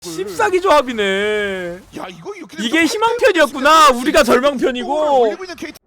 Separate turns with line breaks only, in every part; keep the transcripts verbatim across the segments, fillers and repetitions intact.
씹사기 조합이네.
야 이거 이렇게
이게 희망편이었구나. 우리가 절망편이고.
올리고 있는 케이티.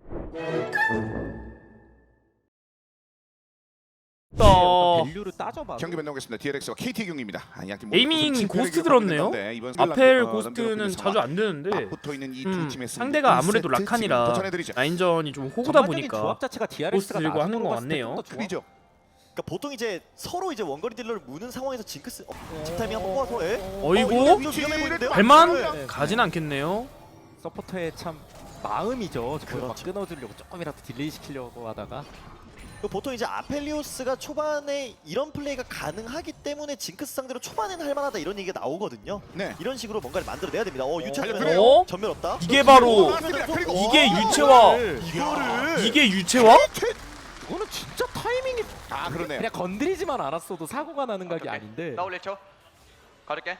또
밸류를 따져봐.
경기 변동하겠습니다. 디엘엑스와 케이티 경기입니다. 아, 양팀 모두
에이밍
좀
고스트
진출을
들었네요.
했는데 이번
아펠
어,
고스트는
남겨놓고
자주 안 되는데
맞붙어 있는 이 두
음,
팀의 승부.
상대가 아무래도
일 세트 지금
라칸이라
더 전해드리죠.
라인전이 좀 호구다
전반적인
보니까
조합 자체가 디알엑스가
고스트 들고 하는 것 같네요.
그리죠.
그러니까 보통 이제 서로 이제 원거리 딜러를 무는 상황에서 징크스 어, 집타이밍 한번 뽑아서 예?
어이구
어, 이거 위험해 보이는데요?
발만
네.
가진 않겠네요.
서포터의 참 마음이죠. 그걸 막
그렇죠.
끊어주려고 조금이라도 딜레이 시키려고 하다가
그 보통 이제 아펠리오스가 초반에 이런 플레이가 가능하기 때문에 징크스 상대로 초반에는 할만하다 이런 얘기가 나오거든요.
네.
이런 식으로 뭔가를 만들어내야 됩니다. 어 유채
달려들어요.
어?
전멸 없다.
이게 바로
맞습니다. 그리고
이게
어,
유채화
이거를
이게 유채화?
이거는 진짜 타이밍이
아 그러네요.
그냥 건드리지만 않았어도 사고가 나는 각이
오케이.
아닌데
더블 일 초 가를게.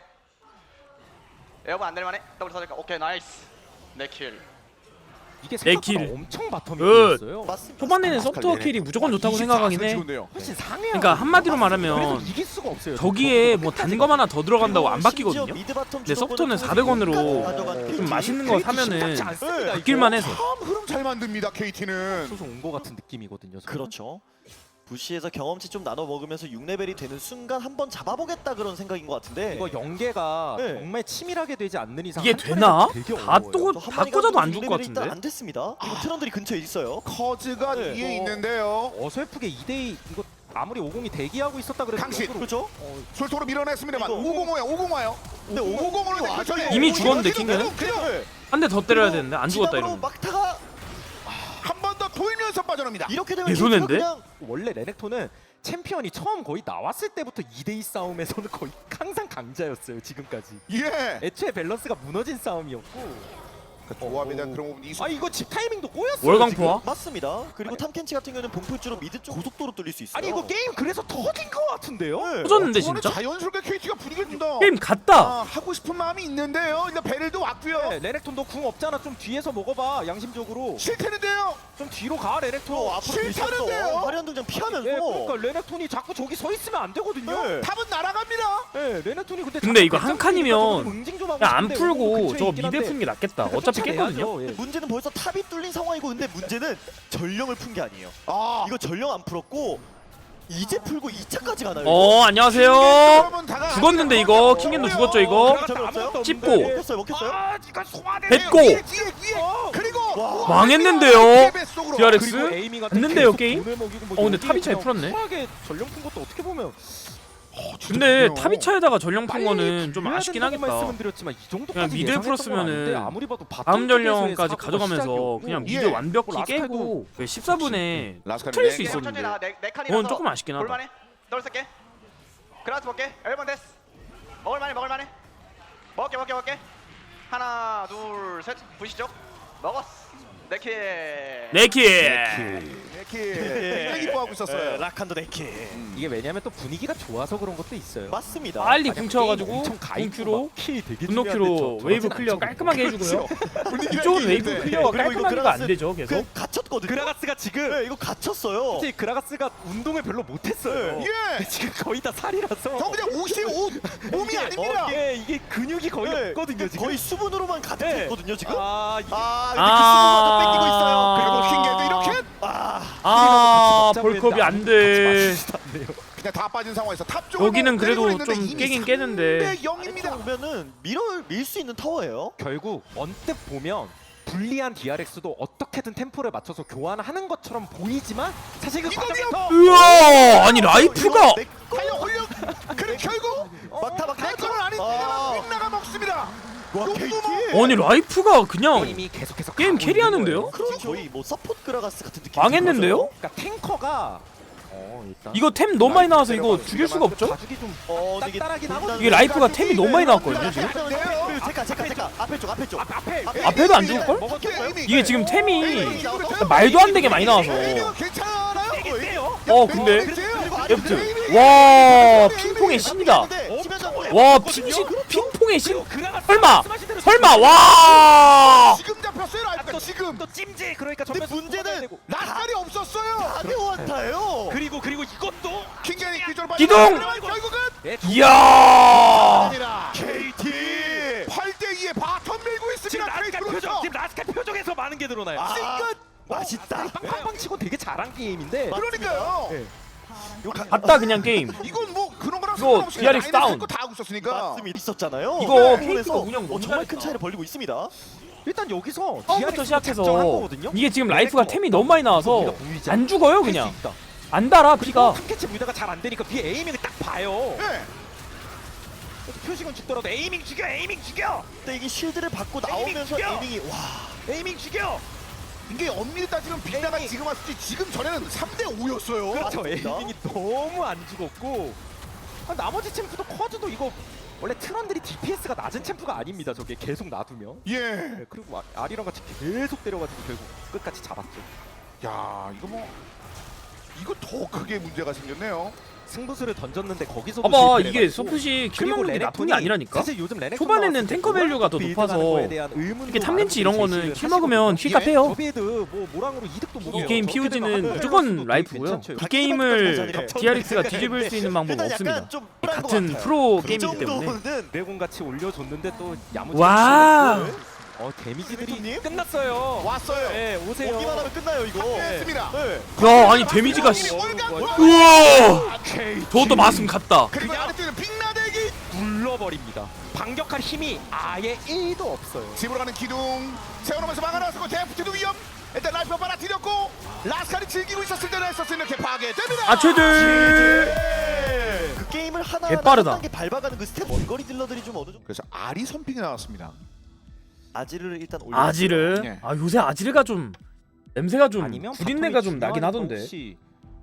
에어본 안 될만해. 더블 사줄까? 오케이 나이스. 내킬.
이게
내
생각보다
길.
엄청 바텀이
굿.
있어요.
맞습니다.
초반에는 서브투어 킬이 무조건 좋다고 생각하긴 해.
훨씬 상해요.
그러니까 한마디로
그래서
말하면
이길 수가 없어요.
저기에 뭐 단검 하나 더 들어간다고 안 바뀌거든요.
근데
서브톤은 사백 원으로 좀 맛있는 거 사면은 바뀔만 해서.
참 흐름 잘 만듭니다. 케이티는.
소송 온거 같은 느낌이거든요. 저는.
그렇죠. 부시에서 경험치 좀 나눠 먹으면서 육 레벨이 되는 순간 한번 잡아보겠다 그런 생각인 것 같은데
이거 연계가
네.
정말 치밀하게 되지 않는 이상
이게
한 턴에서
되나?
되게
다
어려워요.
또-
또
다
한마디가
꽂아도 안
육
죽을 것
레벨이 일단
같은데?
안 됐습니다. 그리고 트런들이 근처에 있어요.
커즈가
네.
뒤에
어.
있는데요.
어설프게 이 대 이 이거 아무리 오공이 대기하고 있었다 그래도
강신.
역으로-
그렇죠?
어,
솔토로 밀어냈습니다만
이거.
오공오야 오공와요.
근데
오공오로
오공이
이미 죽었는데, 킹은?
그냥
한 대 더 때려야 되는데 안 죽었다
지나으로
이러면.
막타가
한 번 더 돌면서 빠져납니다.
이렇게 되면
내 손인데?
그냥
원래 레넥톤은 챔피언이 처음 거의 나왔을 때부터 이 대 이 싸움에서는 거의 항상 강자였어요. 지금까지.
예.
애초에 밸런스가 무너진 싸움이었고
그 조합에 대한 그런 부분 이수.
아 이거 집 타이밍도 꼬였어요.
월광포화?
맞습니다. 그리고 탐켄치 같은 경우는 봉풀주로 미드 쪽 고속도로 뚫릴 수 있어요.
아니 이거 게임 그래서 터진 거 같은데요?
네.
터졌는데
저번에
진짜?
자연스럽게 케이티가 분위기를 준다.
게임 갔다.
아, 하고 싶은 마음이 있는데요. 일단 베릴도 왔고요.
네, 레넥톤 너 궁 없잖아. 좀 뒤에서 먹어봐. 양심적으로
싫다는데요.
좀 뒤로 가 레넥톤.
또 앞으로
싫다는데요?
밀쳤어. 화려한 등장 피하면서.
예, 그러니까 레넥톤이 자꾸 저기 서 있으면 안 되거든요.
네.
답은 날아갑니다.
네, 레넥톤이 근데
근데
자꾸
이거 한
배짱
칸이면
부리니까 저는 응징 좀 하고
그냥 안
싶은데
풀고
근처에
저거
있긴
미드
한데
푸는 게 낫겠다. 어차피 깼거든요.
쫓아내야죠. 예.
문제는 벌써 탑이 뚫린 상황이고 근데 문제는 전령을 푼 게 아니에요.
아,
이거 전령 안 풀었고 이제 풀고 이 차까지 가나요?
어 안녕하세요.
여러분 다가
죽었는데 이거 킹겐도 죽었죠 이거.
전멸
찝고.
먹혔어요 먹혔어요?
아, 니가 소환해.
뱉고.
뒤에 뒤에 뒤에. 그리고
와.
망했는데요.
속으로.
디알엑스?
그리고 에이밍 같은
갔는데요,
계속
게임?
돈을 먹이고 뭐
어, 근데
여기에
탑이 잘
그냥
풀었네.
쿨하게 전령 푼 것도 어떻게 보면
근데
좋네요.
타비차에다가 전령 푼
빨리
거는 좀
풀려야
아쉽긴
된다고
하겠다.
말씀은 드렸지만 이 정도까지
그냥 미드
예상했던 건
풀었으면은
아닌데 아무리 봐도 바텀
다음
쪽에서의
전령까지
사고가
가져가면서
시작이었고.
그냥
예.
미드 완벽히
라스칼도
깨고 십사 분에
라스칼
틀릴 수
네.
있었는데
천천히 나와. 네, 네 칸이라서
그건 조금 아쉽긴 하다.
볼만해. 더블 쓸게. 그라스 먹게. 일 번 됐어. 먹을만해 먹을만해. 먹게 먹게 먹게. 하나 둘 셋. 부시죠. 먹었어. 네킬.
네키.
이렇게 굉장히 기뻐하고 있었어요.
라칸도 네키.
이게 왜냐면 또 분위기가 좋아서 그런 것도 있어요.
맞습니다.
빨리
만약
궁 채워가지고
게임 엄청 가입고
궁큐로
막 키 되게
분노큐로
중요한데 저-
웨이브
저러진
클리어
않죠.
깔끔하게 해주고요.
분위기가
이쪽은 웨이브
있는데.
클리어가
그리고 이거
깔끔하게가 안
그라가스-
되죠 계속.
그 갇혔거든요.
그라가스가 지금
네, 이거 갇혔어요.
사실 그라가스가 운동을 별로 못했어요.
예.
지금 거의 다 살이라서.
저 그냥 옷이 옷 몸이 아닙니다.
예, 이게 근육이 거의
네,
없거든요 지금.
거의 수분으로만 가득했거든요 지금.
아, 이게
아, 이렇게
아.
수분마저 뺏기고 있어요.
그리고
아.
킹게도 이렇게
아,
아
같이
벌컵이
먹자고
안
했는데
돼.
같이 안 돼요.
그냥 다 빠진 상황에서 탑 쪽으로
여기는 그래도
내리고 있는데
좀
이미
깨긴 깨는데.
삼 대 영입니다.
아래쪽 오면은 밀어 밀 수 있는 타워예요.
결국 언뜻 보면 불리한 디알엑스도 어떻게든 템포를 맞춰서 교환하는 것처럼 보이지만 사실 그
이거요?
과정에서
우와 아니 라이프가
달려 올려. 그래 결국
막타 막타.
내 거는 아닌데 빅나가 먹습니다.
와, 케이티.
아니 라이프가 그냥
게임이 계속해서
게임
가고
캐리하는데요?
있는 거예요.
지금 거의 뭐 서포트 그라가스 같은 느낌.
망했는데요?
그러니까 탱커가 어, 일단
이거 템 너무 많이 나와서 이거 죽일 수가 없죠?
가죽이 좀
어, 근데 이게
딱딱하긴 하거든요.
이게 라이프가 템이 너무 많이 나왔거든요 지금.
제카 제카 제카 앞에 쪽 앞에 쪽.
앞에
앞에도 안 죽을걸? 이게 지금 템이 말도 안 되게 많이 나와서.
괜찮아요?
어 근데 F 와 핑퐁의 신이다. 와 핑신 핑퐁의 신. 설마 설마 와.
지금 잡혔어요 라이프가 지금.
또 찜질 그러니까
근데
전면에서
문제는
뽑아야 되고.
라스칼이 없었어요.
다대 원타예요.
그리고 그리고 이것도
킹게니 기절
기동!
결국은
네,
이야.
아니라
케이티.
지금 라스칼 표정, 지금 라스칼 표정에서 많은 게 드러나요.
아,
싱긋!
맛있다.
빵빵빵 치고 되게 잘한 게임인데.
그러니까요.
네.
갔다 그냥 게임.
이건 뭐 그런 거랑
이거
상관없이
디아르엑스 다운.
다 하고 있었으니까.
맞습니다. 있었잖아요.
이거
네.
케이크가
그래서
운영 너무
어, 정말 큰
잘했다.
차이를 벌리고 있습니다.
일단 여기서
처음부터 시작해서
거거든요.
이게 지금 라이프가 템이 너무 많이 나와서
우리가 보이지
안 죽어요
할수
그냥.
있다.
안 달아 피가.
탐캐치 무대가 잘 안 되니까 뒤에 에이밍을 딱 봐요.
네.
표식은 죽더라도 에이밍 죽여, 에이밍 죽여,
근데 이게 쉴드를 받고
에이밍
나오면서
죽여!
에이밍이 와.
에이밍 죽여.
이게 엄밀히 따지면 빅나가
에이밍.
지금 왔을지 지금 전에는 삼 대 오였어요.
그렇죠.
맞습니다.
에이밍이 너무 안 죽었고 아, 나머지 챔프도 커즈도 이거 원래 트런들이 디피에스가 낮은 챔프가 아닙니다. 저게 계속 놔두면.
예.
네, 그리고 아- 아리랑 같이 계속 때려가지고 결국 끝까지 잡았죠.
야, 이거 뭐 이거 더 크게 문제가 생겼네요.
승부수를 던졌는데 거기서
봐봐 이게 서폿이 킬 먹는 게 나쁜 게 아니라니까.
사실 요즘 레넥톤
초반에는
나왔을 때
탱커 밸류가 더
빌드라는
높아서
거에 대한 의문도
이렇게 탐렌치 이런
많은
거는
분들이
킬
제시를
먹으면
하시거든요.
킬값 해요.
저 빌드 뭐 모랑으로 이득도 못
이
해요.
게임
저렇게
피오지는
되면
무조건
할 수도
라이프고요.
괜찮죠.
이 게임을
자리를
디아르엑스가 뒤집을 수 있는 방법은
일단
없습니다.
약간 좀 불안한 것
같은
같아요.
프로
그
게임이기 때문에.
정도는
드래곤 같이 올려줬는데 또 야무지게
와.
치고. 어 데미지들이
님?
끝났어요.
왔어요.
네 오세요.
오기만 하면 끝나요 이거.
했습니다.
네.
야 아니 데미지가 씨.
월간
우와. 저것도 마음 갔다.
그리고
그냥-
아래쪽에는 빅나대기
눌러버립니다. 반격할 힘이 아예 일도 없어요.
집으로 가는 기둥 세워놓으면서 막아놨고 데프트도 위험. 일단 라이프 빨아들였고 라스칼이 즐기고 있었을 때는 했었을 이렇게 파괴됩니다.
아 최들.
그 게임을 하나
개빠르다.
한 단계 밟아가는 그 스텝 원거리 딜러들이 좀 어느 정도
그래서 아리 선픽이 나왔습니다.
아지를 일단 올려.
아지르.
예.
아 요새 아지르가 좀 냄새가 좀
아니면
구린내가
바텀이
좀 나긴
중요하니까
하던데.
혹시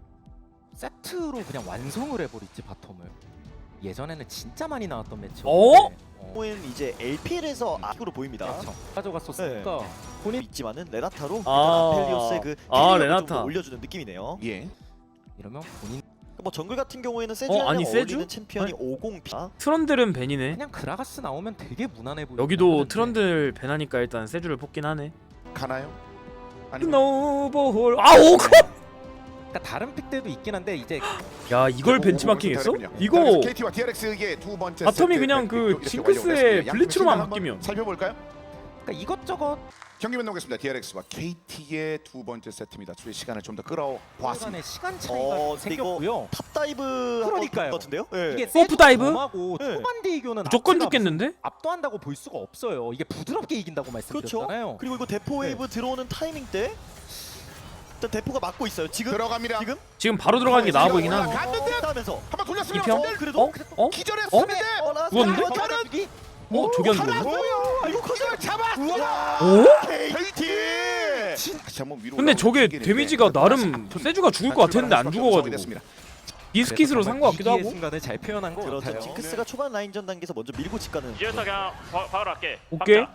세트로 그냥 완성을 해버릴지 바텀을. 예전에는 진짜 많이 나왔던 매치.
어?
는 이제 엘피엘에서 아으로 보입니다.
그렇죠. 가져갔었으니까
본인 있지만은 레나타로
아.
일단 아펠리오스의 그
아,
힐링을
레나타.
좀 올려주는 느낌이네요.
예.
이러면 본인
뭐 정글 같은 경우에는 세주랑
아니,
어울리는
세주?
챔피언이
아니.
오공 피.
트런들은 벤이네.
그냥 그라가스 나오면 되게 무난해 보여.
여기도 트런들 벤하니까 일단 세주를 뽑긴 하네.
가나요? 아니
스노우볼. 아 오크.
그러니까 다른 픽들도 있긴 한데 이제
야 이걸 벤치마킹했어? 이거
케이티와 디아르엑스의 두 번째
바텀이
세트
그냥 그
이렇게
징크스의
완료됐습니다.
블리츠로만
양팀
바뀌면.
살펴볼까요?
그러니까 이것저것
경기 만나보겠습니다. 디아르엑스와 케이티의 두 번째 세트입니다. 주의 시간을 좀 더 끌어보았습니다.
간의 시간 차이가
어,
생겼고요.
탑 다이브
그러니까요.
같은데요? 네.
이게
서프 다이브?
하고
네.
초반 대교는
무조건 죽겠는데?
압도한다고 볼 수가 없어요. 이게 부드럽게 이긴다고
그렇죠.
말씀드렸잖아요.
그리고 이거 대포 웨이브 들어오는 타이밍 때 일단 대포가 막고 있어요. 지금
들어갑니다.
지금
지금 바로 들어가는 게 나아 보이긴 하네.
갔는데?
하면서
한번 돌렸습니다.
이평?
선들
그래도
어? 어?
기절했습니다.
어, 라스트
누웠는데?
한번
저는
여기
어 저기 안
하나
죽었네.
보여. 이거 기절 잡았어.
오?
케이티. 진짜 한번 위로
근데
올라오는
저게
움직이는데
데미지가 나름
아픈
세주가 죽을 것 같았는데 안 죽어가지고
됐습니다.
비스킷으로 산 것 같기도
위기의
하고.
순간을 잘 표현한 것
그렇죠.
같아요.
징크스가 초반 라인전 단계에서 먼저 밀고 직가는
이제부터 그냥 바, 바로 할게.
오케이.
박자.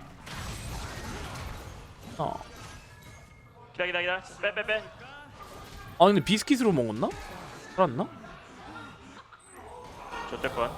어.
기다 기다 기다. 빼 빼 빼.
아 근데 비스킷으로 먹었나? 살았나?
좋댔건.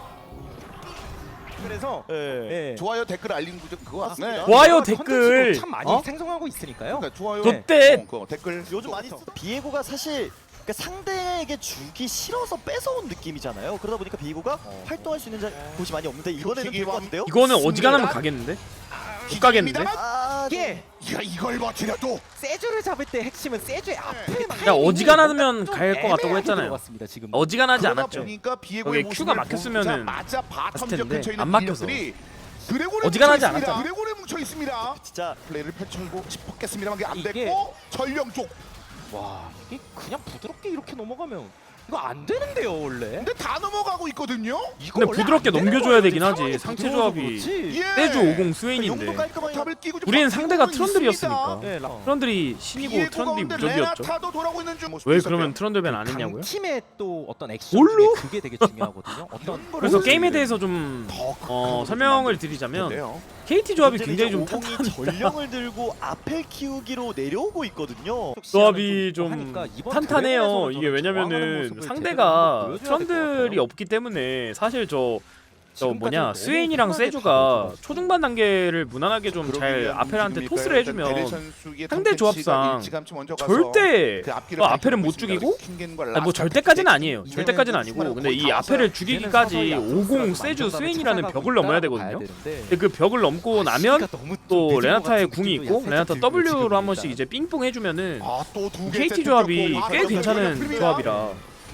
그래서
예.
예.
좋아요 댓글 알림 구조 그거
맞습니다.
네.
좋아요
컨텐츠도
댓글.
참 많이
어?
생성하고 있으니까요.
그러니까 좋아요.
좋대.
어, 그거 댓글
요즘 많이 쓰 비에고가 사실 그러니까 상대에게 주기 싫어서 뺏어온 느낌이잖아요. 그러다 보니까 비에고가 활동할 수 있는 자, 곳이 많이 없는데 이번에는 될 것 같은데요?
이거는 어지간하면 가겠는데? 못 가겠는데?
아,
이게
야 이걸 버티려도
세주를 잡을 때 핵심은 세주의 앞에
야, 어지간하면 갈 것 같다고 했잖아요.
같습니다, 지금.
어지간하지
그러다
않았죠.
보니까 비에고의
거기에 큐가 막혔으면은
맞아
봤을
바텀
텐데,
근처에 있는
안 막혀서.
딜러들이 드래곤에
어지간하지
뭉쳐 있습니다.
않았잖아.
드래곤에 뭉쳐 있습니다.
진짜
플레이를 펼쳐고 싶었겠습니다만 그게 안
이게-
됐고 전령 쪽.
와 이게 그냥 부드럽게 이렇게 넘어가면 이거 안 되는데요 원래.
근데 다 넘어가고 있거든요.
이거
근데
원래
부드럽게
안 되는
넘겨줘야
거예요.
되긴
상황이
하지. 상체
부드러워서
조합이.
그렇지.
예.
세주 오공
용도
스웨인인데
깔끔하게
탑을 끼고 좀
우리는
버티고
상대가
있습니다.
트런들이었으니까.
네, 라-
트런들이 신이고
비에고가
트런들이
오는데
무적이었죠.
레나타도 돌아오고 있는 중 모습이
왜
있었고요.
그러면 트런들 벤 안 했냐고요?
팀의 또 어떤 액션
뭘로?
중에 그게 되게 중요하거든요. 어떤
그래서
뭘
게임에 대해서 좀
더
어, 설명을 드리자면
텐데요.
케이티 조합이
문제는
굉장히
이제
좀
오공이
탄탄합니다.
전령을 들고 아펠 키우기로 내려오고 있거든요.
조합이 좀
하니까 이번
탄탄해요.
드래곤에서는
이게
저는
왜냐면은
저항하는 모습을 제대로
상대가
보여줘야 될것
트런들이
같아요.
없기 때문에 사실 저 저 뭐냐 스웨인이랑 세주가 초중반 단계를 무난하게 좀 잘 아펠한테 토스를 해주면 상대 조합상 절대 어, 아펠은 못 죽이고 아니, 뭐 절대까지는 아니에요. 절대까지는 아니고 근데 이 아펠을 죽이기까지 오공 세주 스웨인이라는 벽을 넘어야 되거든요. 근데 그 벽을 넘고 나면 또 레나타의 궁이 있고 레나타 W로 한 번씩 이제 삥뽕 해주면은 케이티 조합이 꽤 괜찮은 조합이라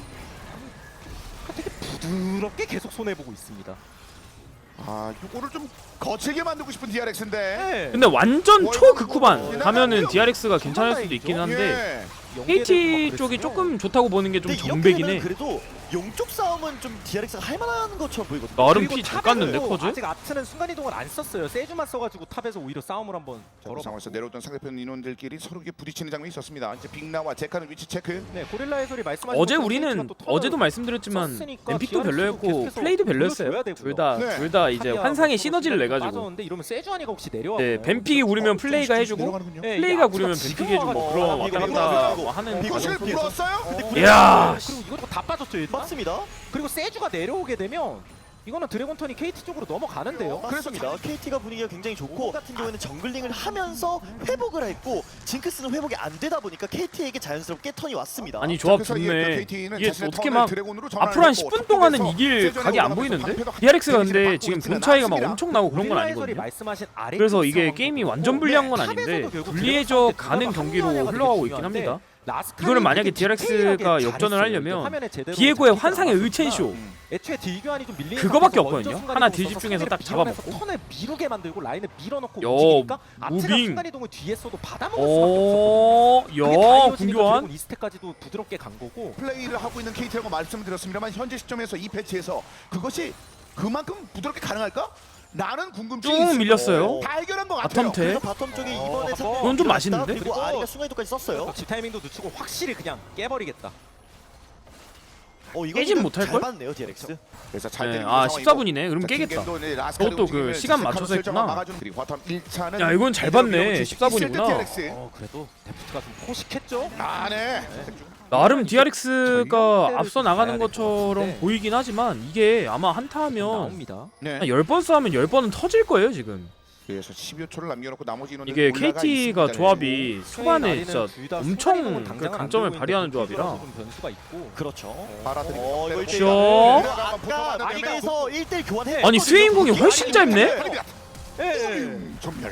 되게 부드럽게 계속 손해보고 있습니다.
아, 이거를 좀 거칠게 만들고 싶은 디알엑스인데.
네.
근데 완전 초극후반 가면은 디알엑스가 괜찮을 수도 있긴 한데 케이티 쪽이 조금 좋다고 보는 게 좀
근데 이렇게
정백이네.
되면 그래도 용쪽 싸움은 좀 디알엑스가 할만한 것처럼 보이거든요.
나름
그리고
피 잘 깠는데
탑에서도
커즈?
아직 아트는 순간이동을 안 썼어요. 세주만 써가지고 탑에서 오히려 싸움을 한번
그
걸어.
상황에서 내려오던 상대편 인원들끼리 서로 부딪히는 장면이 있었습니다. 이제 빅나와 제카는 위치 체크.
네, 고릴라 해설이 말씀하신
어제
것처럼
우리는
케이티가 또 턴을
어제도 말씀드렸지만
썼으니까
엠픽도
디알엑스도
별로였고
계속해서
플레이도
돌려줘야
별로였어요.
되고요.
둘 다
네.
둘 다 이제
타미야
환상의
뭐
시너지를
서로
내가지고
빠졌는데 이러면 세주아니가 혹시 내려와.
네, 뱀픽이 우리면 플레이가 해주고
내려가는군요.
네,
플레이가
이
구리면
아트가
뱀픽이
지금
해주고 뭐 그런
와가지고
왔다
이거
갔다
이거
뭐 하는
이것을
과정 속에서
불었어요?
이야
그리고 이것도 다 빠졌죠 일단.
맞습니다.
그리고 세주가 내려오게 되면 이거는 드래곤턴이 케이티 쪽으로 넘어가는데요.
그렇습니다. 케이티가 분위기가 굉장히 좋고 같은 경우에는 정글링을 하면서 회복을 했고 징크스는 회복이 안 되다 보니까 케이티에게 자연스럽게 턴이 왔습니다.
아니 조합
그 사이에
좋네.
그 케이티는
이게
자신의
어떻게
턴을
막
드래곤으로 전환을
앞으로 한
했고
십 분 동안은
탑쪽에서
이길
세전에
각이 안
올라가면서
보이는데?
방패도
디알엑스가
확실히
근데
받고
지금
있지는
돈 차이가 막
않습니다.
엄청 나고 그런 건
고릴라 해설이
아니거든요.
말씀하신 아래
그래서
쪽
이게
상황도
게임이
그렇고,
완전 불리한 건
네,
아닌데
탑에서도 결국
불리해져
드래곤턴한테
가는
들어가서
경기로
합류하냐가 되게
흘러가고 있긴
중요한데
합니다.
라스칼이
이거를 만약에
되게
디알엑스가
디테일하게
역전을
잘했어요.
하려면
화면에 제대로
비에고의
잡히지
환상의
않았으니까
의첸쇼
애초에 딜교환이 좀 밀리는
그거밖에
상태에서
없거든요.
먼저
하나
순간이동을
딜집
써서
중에서 딱
상대를 밀어내서
잡아먹고.
턴을 미루게 만들고 라인을 밀어넣고
야,
움직이니까 아트가
무빙.
순간이동을 뒤에서도 받아먹을 수밖에 없었거든요.
어,
그게
야,
다이어지니까
궁교환.
드래곤 이스택까지도 부드럽게 간 거고.
플레이를 하고 있는 케이티라고 말씀을 드렸습니다만 현재 시점에서 이 패치에서 그것이 그만큼 부드럽게 가능할까? 나는 궁금증이
쭉
있습니다.
밀렸어요.
다 해결한 것 같아요.
바텀
그래서
태
바텀 쪽에
어,
이번에
어,
상대가
이건 좀
밀어냈다.
맛있는데?
그리고 아리가 순간이동까지 썼어요.
지 타이밍도 늦추고 확실히 그냥 깨버리겠다.
어 이거
깨진 못할
잘
걸?
봤네요 디알엑스.
그래서 잘
네,
되는
아
상황이고.
십사 분이네. 그럼
자,
깨겠다.
킹겐도 이제 라스칼의
그것도 그
움직임을
시간
슥슥
맞춰서
하면서
했구나.
막아주는 그리고 바텀 일 차는
야, 이건 잘 봤네. 십사 분이구나.
어 그래도 데프트가 좀 포식했죠.
아, 네.
나름 디알엑스가 앞서 나가는
전략대로
것처럼
네.
보이긴 하지만 이게 아마 한타 하면
나옵니다.
네.
한 열 번 싸우면 열 번은 터질 거예요 지금.
그래서 십여 초를 남겨놓고 나머지 인원들
이게
올라가
케이티가
있습니다.
조합이 초반에
아리는
진짜
둘다
엄청
순간이동은
그
당장은 안
강점을
들고
발휘하는
있는데
조합이라.
좀 변수가 있고.
그렇죠.
빨아들이고
어 이거
빼놓고.
일
쇼.
대 일. 아까 아리에서 일 대 일 교환해.
아니 스웨인공이 훨씬 짧네?
예, 예.
음, 전멸.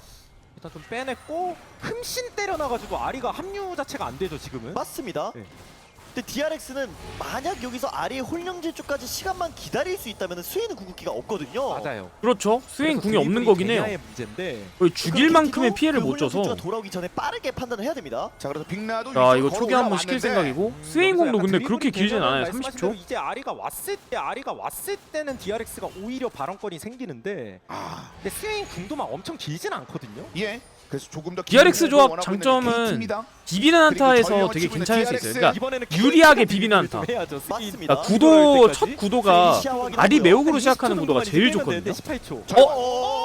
일단 좀 빼냈고 흠신 때려놔가지고 아리가 합류 자체가 안 되죠 지금은.
맞습니다.
네.
근데 디알엑스는 만약 여기서 아리의 홀령질 쪽까지 시간만 기다릴 수 있다면 스웨인은 궁극기가 없거든요.
맞아요.
그렇죠. 스웨인
그래서
궁이 없는
드리블이
거긴 해요.
개냐의 문제인데.
거의 죽일 만큼의
그
피해를 못
홀령질주가
줘서.
돌아오기 전에 빠르게 판단을 해야 됩니다.
자, 그래서 빅나도
자 이거
위쪽으로
초기 한번 시킬
올라왔는데
생각이고
음,
스웨인
여기서
공도
약간
근데
드리블이
그렇게 길진
되면
않아요.
말씀하신
삼십 초.
대로 이제 아리가 왔을 때 아리가 왔을 때는 디알엑스가 오히려 발언권이 생기는데
아,
근데 스웨인 궁도 막 엄청 길진 않거든요.
예. 그래서 조금 더
디알엑스
긴
조합
원하고 있는
장점은
케이티입니다.
비비는 한타에서
전령을
되게
치고 있는
괜찮을 수
디알엑스.
있어요. 그러니까
이번에는
유리하게
케이티가
비비는
좀
한타.
해야죠. 스웨인.
맞습니다.
그러니까 구도
이럴
첫
때까지?
구도가 아리 매혹으로 시작하는
이십 초
구도가
정도만
제일
이기면 되는데
좋거든요.
십팔 초.
자,
어?
어?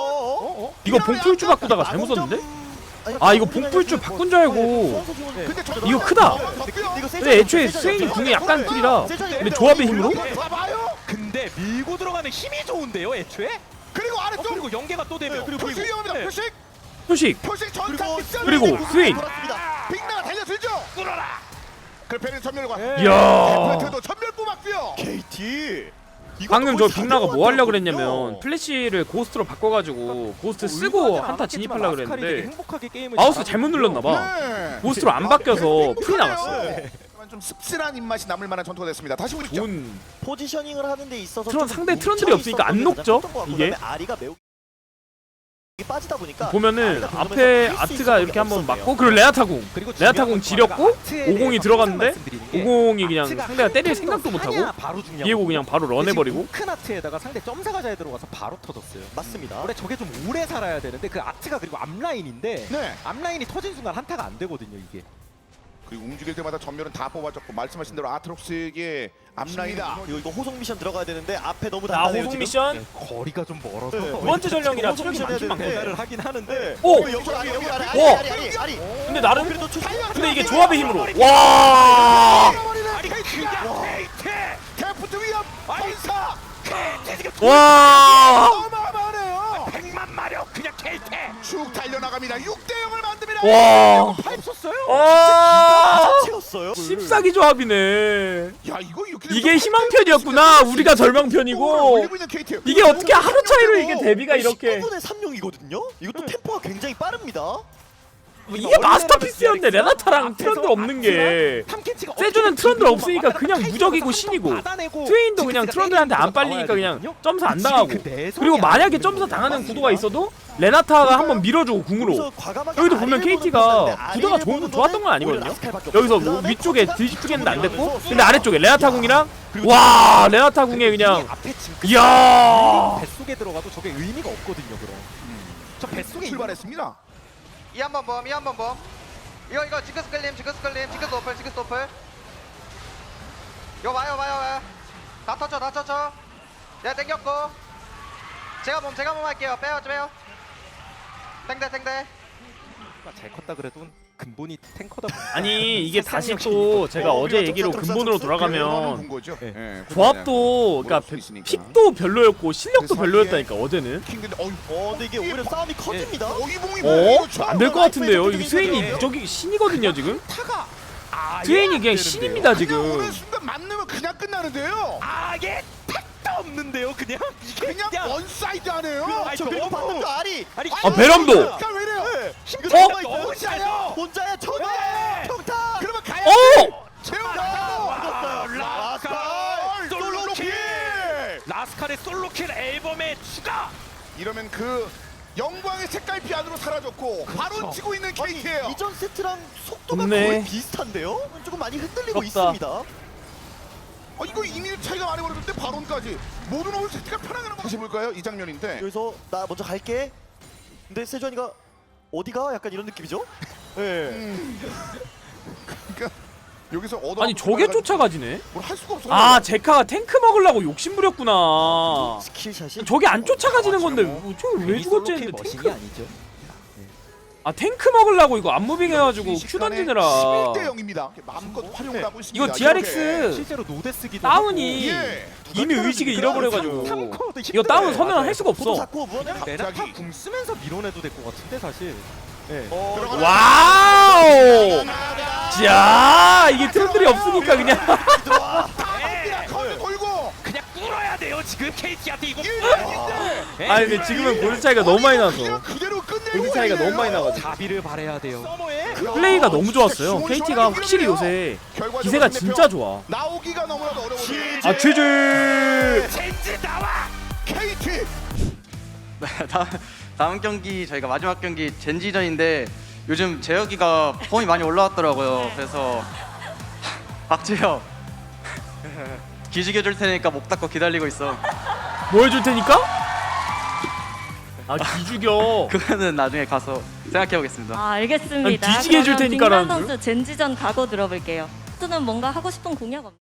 어?
이거 봉풀주 바꾸다가 잘못 썼는데? 아 이거 봉풀주 바꾼 줄 알고.
근데 저-
이거 크다.
덮고요.
근데 애초에 스웨인이 궁이 약간 틀이라. 근데 조합의 힘으로?
봐봐요.
근데 밀고 들어가는 힘이 좋은데요, 애초에?
그리고
어,
아래쪽
그리고 연계가 또 되면
그리고 표식 위험합니다.
네.
표식.
표식.
표식 전차 빗살.
그리고 스웨인.
빅나가 달려들죠. 뚫어라. 그 배는 전멸과.
이야.
데프트도 전멸 뽑았고요.
케이티.
방금 저 빅나가 뭐 하려고 그랬냐면 플래시를 고스트로 바꿔가지고 고스트 쓰고 한타 진입하려고 그랬는데
행복하게 게임을
마우스
잘하고
잘못
있고요.
눌렀나봐.
네.
고스트로 안 바뀌어서 풀이 나갔어요.
네. 좀 씁쓸한 입맛이 남을 만한 전투가 됐습니다. 다시 보시죠.
좋은
포지셔닝을 하는 데 있어서
트런-
좀
상대
뭉쳐
트런들이 없으니까 안
있었던 게
녹죠,
가장 컸던 것 같고,
이게?
그다음에 아리가 매우 빠지다 보니까
보면은
아리가
앞에
그러면서 할수
아트가
있었던
이렇게
게
한번
없었네요.
맞고 그리고 레아타궁
그리고
레아타궁 지렸고 오공이 들어갔는데
오공이
오공이 그냥 상대가 때릴 생각도 못하고 비에고 그냥 바로 런해버리고
큰 아트에다가 상대 점사가 잘 들어가서 바로 터졌어요.
맞습니다.
원래 저게 좀 오래 살아야 되는데 그 아트가 그리고 앞라인인데
네.
앞라인이 터진 순간 한타가 안 되거든요 이게.
그리고 움직일 때마다 전멸은 다 뽑아줬고 말씀하신 대로 아트록스의 앞라인이다.
이거 이거 호송 미션 들어가야 되는데 앞에 너무
자
단단해요
호송
지금.
미션
네, 거리가 좀 멀어서
네.
두 번째 전령이라
호송
체력이
미션
많긴
해야 되는데.
많거든요.
하긴 하는데
오!
어, 여기 아리 여기 아리
오!
아리 아리 아리.
근데 나름
그래도 초-
근데 이게 조합의 힘으로 와
데프트 위협. 발사.
와.
어마어마하네요.
백만 마력 그냥 켈테.
쭉 달려나갑니다. 육 대 영을 만듭니다.
와.
파이프 썼어요?
아.
채웠어요.
씹사기 조합이네.
야 이거 이렇게
이게 희망편이었구나. 우리가 절망편이고.
올리고 있는 케이티.
이게 어떻게 하루 차이로 이게 데뷔가 이렇게.
십구 분의 삼용이거든요. 이것도 템포가 굉장히 빠릅니다.
이게 마스터피스였는데 레나타랑 트런들 없는 게. 세주는 트런들 없으니까 그냥 무적이고 신이고, 트웨인도 그냥 트런들한테 안 빨리니까 그냥 점수 안 당하고, 그리고 만약에 점수 당하는 구도가 있어도 레나타가 한번 밀어주고 궁으로. 여기도 보면 케이티가 구도가 좋은 좋았던 건 아니거든요. 여기서 뭐 위쪽에 뒤집히겠는데 안 됐고, 근데 아래쪽에 레나타 궁이랑 와 레나타 궁에 그냥 이야.
뱃속에 들어가도 저게 의미가 없거든요. 그럼 저 뱃속에
출발했습니다.
이 한 번 범, 이 한 번 범. 이거 이거 징크스 끌림, 징크스 끌림, 징크스 오플, 징크스 오플. 이거 와요, 와요, 와요. 다 터쳐, 다 터쳐. 내가 땡겼고. 제가 몸, 제가 몸 할게요. 빼요, 빼요. 땡대, 땡대.
잘 컸다 그래도 근본이 탱커다.
아니 이게 다시 또 제가 어제 얘기로 근본으로 돌아가면
본 거죠.
네.
예,
조합도 그러니까
수 있으니까.
픽도 별로였고 실력도
그
별로였다니까 어제는.
킹근데 어이
어, 근데 이게 오히려 싸움이 커집니다.
어이봉이
어? 안 될 것 같은데요. 이 스웨인이 무적이 신이거든요 지금.
타가
스웨인이 그냥 신입니다
그냥
지금.
오는 순간 맞으면 그냥 끝나는데요.
아예 택도 없는데요. 그냥 이게
그냥 원사이드 하네요.
아, 저 그리고 방금 그 알이
아니
아 베럼도.
그러니까 왜 이래요?
어?
너무 잘해요.
혼자야 청타
네.
청타.
그러면 가야
어?
채워나가고
라스칼 솔로킬.
솔로킬.
라스칼의 솔로킬 앨범에 추가.
이러면 그 영광의 색깔피 안으로 사라졌고 바로 치고 있는 케이크예요.
이전 세트랑 속도가
좋네.
거의 비슷한데요? 조금 많이 흔들리고
부럽다.
있습니다.
어, 이거 이미 차이가 많이 벌어졌는데 바론까지 모든 오늘 세트가 편하게 는 다시 볼까요? 이 장면인데
여기서 나 먼저 갈게. 근데 세주환이가 어디가? 약간 이런 느낌이죠? 예.
그러니까 여기서 얻어
아니 저게 쫓아가지네.
뭘할 수가 없어.
아 제카가 탱크 먹으려고 욕심 부렸구나.
스킬샷이
저게 안 쫓아가지는 건데 뭐, 저게 왜 죽었지 했는데
머신이
탱크.
아니죠.
아 탱크 먹으려고 이거 안무빙 해가지고 큐 던지느라.
십일 대 영입니다. 마음껏 활용을 하고 있습니다.
이거 디알엑스
실제로 노데 쓰기도
다운이
예.
이미 의식을 잃어버려가지고
삼코어도
이거 다운 서면 할 수가
포도
없어.
잡고 무언을
레나타
갑자기.
궁 쓰면서 밀어내도 될 것 같은데 사실. 예.
어,
들어가라.
와우. 자 이게 트런들이 없으니까 그냥.
예.
커드 돌고
그냥 뚫어야 돼요 지금 케이티한테 이거. 예.
아니 근데 지금은 골드 차이가 너무 많이 나서
그냥 그대로 끝내고
골드 차이가 너무 많이 나가지고
자비를 바래야 돼요.
플레이가 너무 좋았어요. 케이티가 확실히 요새 기세가 진짜 좋아.
나오기가 너무나도 어려워요.
아 취즈.
젠지 나와.
케이티
다음, 다음 경기 저희가 마지막 경기 젠지전인데 요즘 재혁이가 폼이 많이 올라왔더라고요. 그래서 박재혁 기죽여 줄 테니까 목 닫고 기다리고 있어.
뭐 해줄 테니까? 아 기죽여.
그거는 나중에 가서 생각해 보겠습니다.
아 알겠습니다.
아니, 뒤지게 해줄
그러면
테니까라는
빅만 선수 젠지전 각오 들어볼게요. 선수는 뭔가 하고 싶은 공약 없나요?